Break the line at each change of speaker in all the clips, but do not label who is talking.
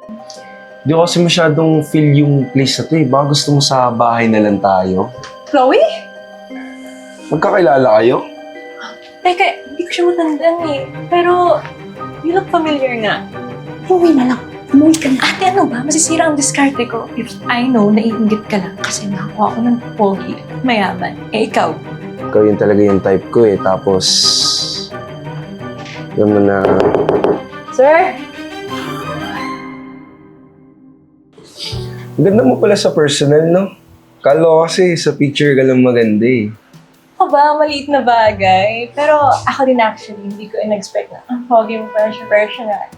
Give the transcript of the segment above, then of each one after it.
Di ko kasi masyadong feel yung place na to eh. Baka gusto mo sa bahay na lang tayo.
Chloe?
Magkakilala kayo?
Teka, hindi ko siya matandaan eh. Pero, you look familiar nga.
Umuwi na lang. Umuwi ka na.
Ate, ano ba? Masisira ang diskarte ko. If I know, naiinggit ka lang kasi nakakuha ko ng pogi at mayaman. Eh, ikaw?
Ikaw yun talaga yung type ko eh. Tapos, yun mo na...
Sir?
Ganda mo pala sa personal, no? Kala ko kasi sa picture ka lang maganda eh.
Aba, maliit na bagay. Pero ako din actually, hindi ko in-expect na ang pogi mo pa siya personal.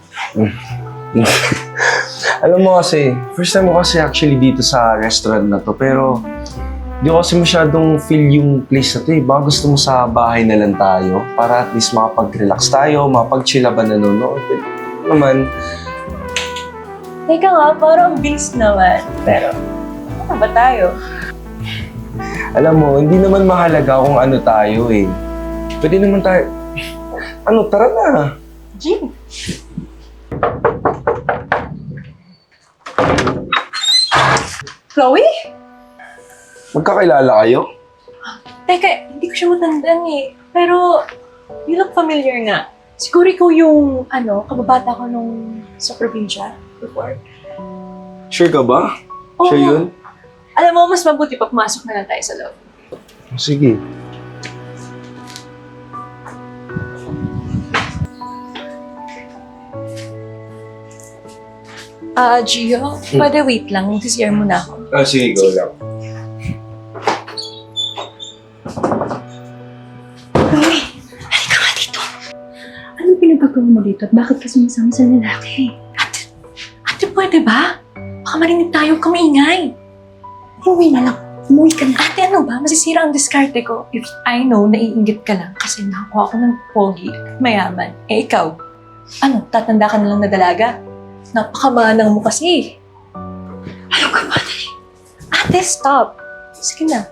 Alam mo kasi, first time ko kasi actually dito sa restaurant na to. Pero, di ko kasi masyadong feel yung place na to eh. Baka gusto mo sa bahay na lang tayo para at least makapag-relax tayo, makapag-chill ba nanonood. Naman,
Teka nga, parang bilis naman. Pero, ano ba tayo?
alam mo, hindi naman mahalaga kung ano tayo eh. Pwede naman tayo... Ano, tara na.
Jim. Chloe?
Magkakilala kayo?
Teka, hindi ko siya matandaan eh. Pero, you look familiar nga. Siguro ikaw yung, kababata ko nung sa probinsya before.
Sure ka ba?
Oo.
Sure yun?
Alam mo, mas mabuti pa pumasok na lang tayo sa loob.
Sige.
Gio, pwede wait lang. Mag-CR muna ako.
Sige, go lang.
Chloe, halika nga dito. Anong pinagagawa mo dito at bakit ka sumasama sa lalaki?
Ate, pwede ba? Baka marinig tayo kamaingay.
Umuwi na lang. Umuwi ka na.
Ate, ano ba? Masisira ang diskarte ko. If I know, naiinggit ka lang kasi nakakuha ko ng pogi at mayaman. Eh, ikaw? Ano, tatanda ka na lang na dalaga? Napakamanang mo kasi.
Ano ka ba?
Ate, stop. Sige na.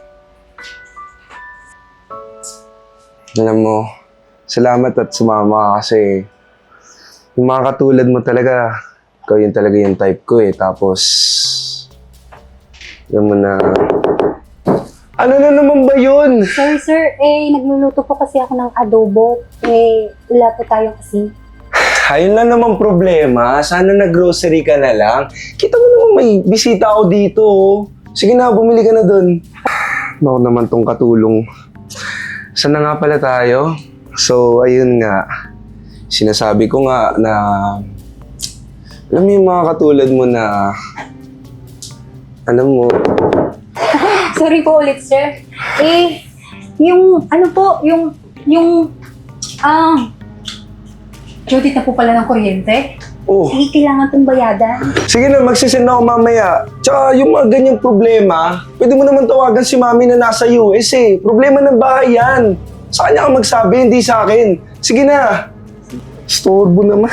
Alam mo, salamat at sumama ka kasi yung mga katulad mo talaga, ikaw yun talaga yung type ko eh. Tapos, alam mo na... Ano na naman ba yun?
Sorry sir, nagluluto po kasi ako ng adobo. Wala po tayo kasi.
Ayun lang naman problema. Sana nag-grocery ka na lang. Kita mo naman may bisita ako dito. Oh. Sige na, bumili ka na dun. Ako naman tong katulong. Saan na nga pala tayo? So, ayun nga. Sinasabi ko nga na... Alam mo yung mga katulad mo na... Alam mo...
Sorry po ulit sir. Judith na po pala ng kuryente.
Oh,
Kailangan itong bayadan.
sige na, magsisend ako mamaya. Tsaka yung mga ganyang problema, pwede mo naman tawagan si mami na nasa US eh. Problema ng bahay yan. Sa kanya ka magsabi, hindi sa akin. Sige na. Storbo naman.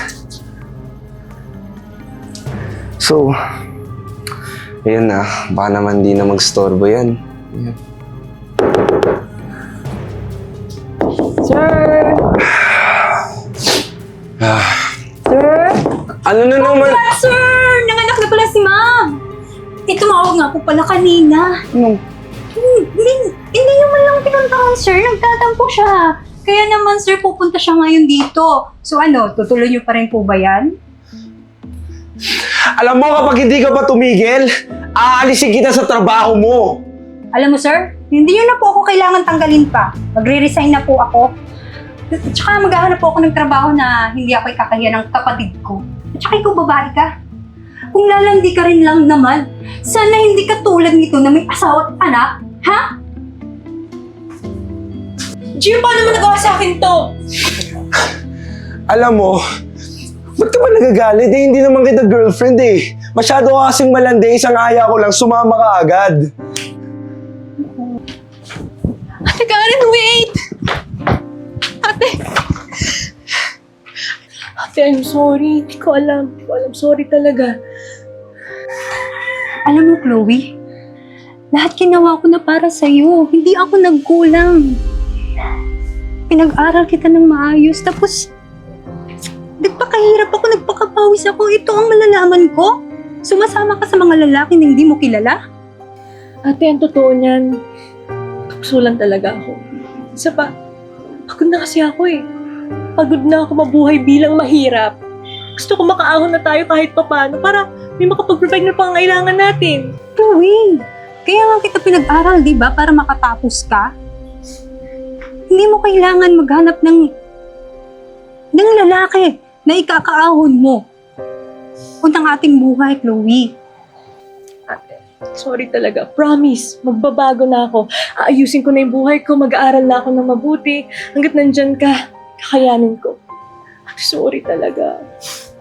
So, ayun na. Baka naman di na magstorbo yan. Ayan.
Sir! Sir?
Ano na naman?
Sir! Nanganak na pala si ma'am! Tumawag nga po pala kanina.
Ano?
Hindi nyo man lang pinuntahan, sir. Nagtatampo siya. Kaya naman, sir, pupunta siya ngayon dito. So tutuloy nyo pa rin po ba yan?
Alam mo, kapag hindi ka pa tumigil, aalisin kita sa trabaho mo.
Alam mo, sir, hindi nyo na po ako kailangan tanggalin pa. Magre-resign na po ako. At saka maghahanap po ako ng trabaho na hindi ako ikakahiya ng kapatid ko. At saka ikaw babae ka. Kung lalandi ka rin lang naman, sana hindi ka tulad nito na may asawa at anak, ha?
Gio, paano mo nagawa sa akin to?
Alam mo, ba't ka ba nagagalit? Eh, hindi naman kita girlfriend eh. Masyado ka kasing malandi, isang aya ko lang, sumama ka agad.
Ate Karen, wait! Ate! Ate, I'm sorry. Hindi ko alam. Sorry talaga.
Alam mo, Chloe, lahat ginawa ko na para sa'yo. Hindi ako nagkulang. Pinag-aral kita ng maayos, tapos Nagpakahirap ako, nagpakapawis ako. Ito ang malalaman ko. Sumasama ka sa mga lalaki na hindi mo kilala?
Ate, ang totoo niyan, kapsulan talaga ako. Isa pa, pagod na kasi ako eh. Pagod na ako mabuhay bilang mahirap. Gusto ko makaahon na tayo kahit papano para may makapag-provide ng pangangailangan natin.
Chloe, kaya nga kita pinag-aral, di ba? Para makatapos ka. Hindi mo kailangan maghanap ng lalaki na ikakaahon mo. Untang ating buhay, Chloe.
Ate, sorry talaga. Promise, magbabago na ako. Aayusin ko na yung buhay ko, mag-aaral na ako ng mabuti. Hanggat nandyan ka, kakayanin ko. Ate, sorry talaga.